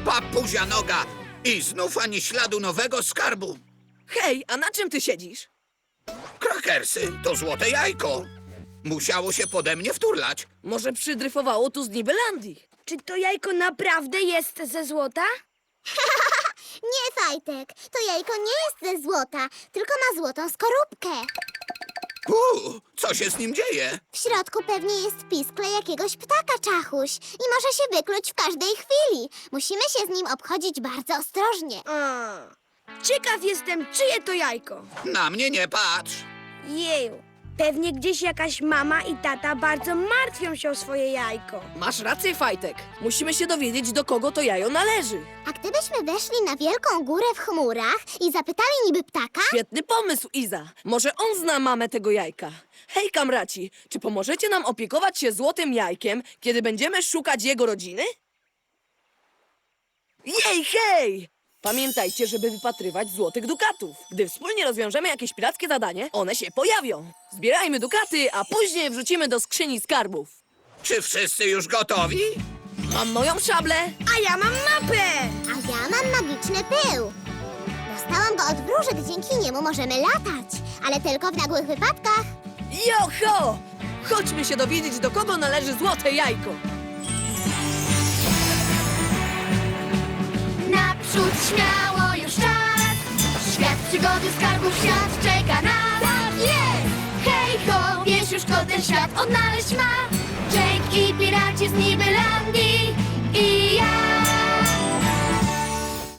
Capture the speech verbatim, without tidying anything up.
Papuzia noga! I znów ani śladu nowego skarbu. Hej, a na czym ty siedzisz? Krakersy to złote jajko. Musiało się pode mnie wturlać. Może przydryfowało tu z Nibelandii? Czy to jajko naprawdę jest ze złota? Nie, Fajtek, to jajko nie jest ze złota, tylko ma złotą skorupkę. Uuu, co się z nim dzieje? W środku pewnie jest piskle jakiegoś ptaka, Czachuś, i może się wykluć w każdej chwili. Musimy się z nim obchodzić bardzo ostrożnie. A. Ciekaw jestem, czyje to jajko. Na mnie nie patrz. Jeju. Pewnie gdzieś jakaś mama i tata bardzo martwią się o swoje jajko. Masz rację, Fajtek. Musimy się dowiedzieć, do kogo to jajo należy. A gdybyśmy weszli na wielką górę w chmurach i zapytali niby ptaka? Świetny pomysł, Iza. Może on zna mamę tego jajka. Hej, kamraci, czy pomożecie nam opiekować się złotym jajkiem, kiedy będziemy szukać jego rodziny? Jej, hej! Pamiętajcie, żeby wypatrywać złotych dukatów. Gdy wspólnie rozwiążemy jakieś pirackie zadanie, one się pojawią. Zbierajmy dukaty, a później wrzucimy do skrzyni skarbów. Czy wszyscy już gotowi? Mam moją szablę. A ja mam mapę! A ja mam magiczny pył. Dostałam go od wróżek, dzięki niemu możemy latać, ale tylko w nagłych wypadkach. Joho! Chodźmy się dowiedzieć, do kogo należy złote jajko. Naprzód śmiało już czas. Świat przygody, skarbów, świat czeka nas. Tak jest! Hej ho, wiesz już kto ten świat odnaleźć ma. Jake i piraci z Nibelandii